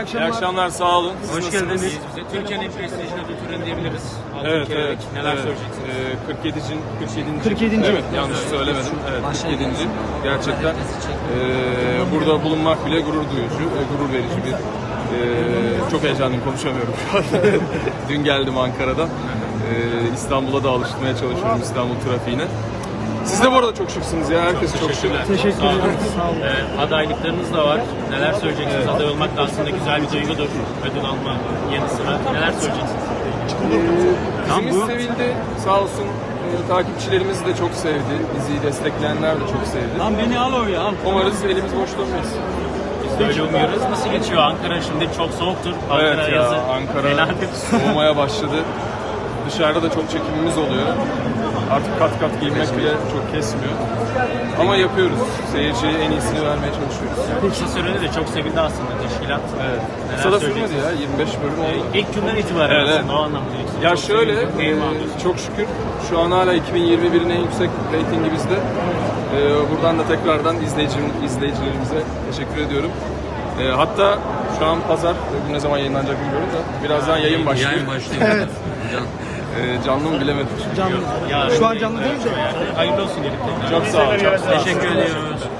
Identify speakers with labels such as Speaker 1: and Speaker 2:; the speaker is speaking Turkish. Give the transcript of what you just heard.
Speaker 1: akşamlar.
Speaker 2: İyi akşamlar, sağ olun. Siz
Speaker 3: Hoş
Speaker 2: nasılsınız?
Speaker 3: geldiniz. Türkiye'nin en prestijli ödül töreni diyebiliriz.
Speaker 2: Evet,
Speaker 3: Türkiye'de
Speaker 2: evet.
Speaker 3: neler
Speaker 2: evet.
Speaker 3: söyleyeceksiniz?
Speaker 1: 47.
Speaker 2: Evet, yanlış söylemedim. Evet, 47. Gerçekten burada bulunmak bile gurur duyucu, gurur verici bir... çok heyecanlıyım, konuşamıyorum şu an. Dün geldim Ankara'dan. İstanbul'a da alıştırmaya çalışıyorum, İstanbul trafiğine. Siz de bu arada çok şıksınız ya, herkes çok şık.
Speaker 1: Teşekkür ederim. Sağ olun.
Speaker 3: Adaylıklarınız da var. Neler söyleyeceksiniz? Aday olmak da aslında güzel bir duygudur. Ödül alma yanı sıra. Neler söyleyeceksiniz?
Speaker 2: Dizimiz sevildi, sağ olsun. Takipçilerimiz de çok sevdi, diziyi destekleyenler de çok sevdi.
Speaker 1: Lan beni al oraya al.
Speaker 2: Umarız elimiz boş dönmeyiz.
Speaker 3: Biz de öyle umuyoruz. Nasıl geçiyor? Ankara şimdi çok soğuktur. Ankara
Speaker 2: Evet ya,
Speaker 3: yazı
Speaker 2: Ankara
Speaker 3: fenadır.
Speaker 2: soğumaya başladı. Dışarıda da çok çekimimiz oluyor. Artık kat kat giymek bile çok kesmiyor. Ama yapıyoruz. Seyirciye en iyisini vermeye çalışıyoruz.
Speaker 3: Kısa sürede de çok sevildi aslında teşkilat.
Speaker 2: Evet.
Speaker 3: Neler
Speaker 2: Kısa da
Speaker 3: söyleyeceksiniz?
Speaker 2: sürmedi ya, 25 bölüm oldu.
Speaker 3: İlk günden itibaren
Speaker 2: Evet,
Speaker 3: aslında o anlamda.
Speaker 2: Ya
Speaker 3: Çok
Speaker 2: şöyle,
Speaker 3: sevildi, keyif alıyorsunuz.
Speaker 2: çok şükür şu an hala 2021'in en yüksek reytingi bizde. Buradan da tekrardan izleyicilerimize teşekkür ediyorum. Hatta şu an pazar, bu ne zaman yayınlanacak bilmiyorum da birazdan yayın başlıyor.
Speaker 4: Yayın başlıyor.
Speaker 1: Evet.
Speaker 2: Canlı mı bilemedim.
Speaker 1: Canlı.
Speaker 3: Yarın
Speaker 1: Şu an canlı değil mi?
Speaker 3: Hayırlı olsun diyelim.
Speaker 2: Çok sağ olun. Çok sağ olun.
Speaker 3: Teşekkür ediyoruz.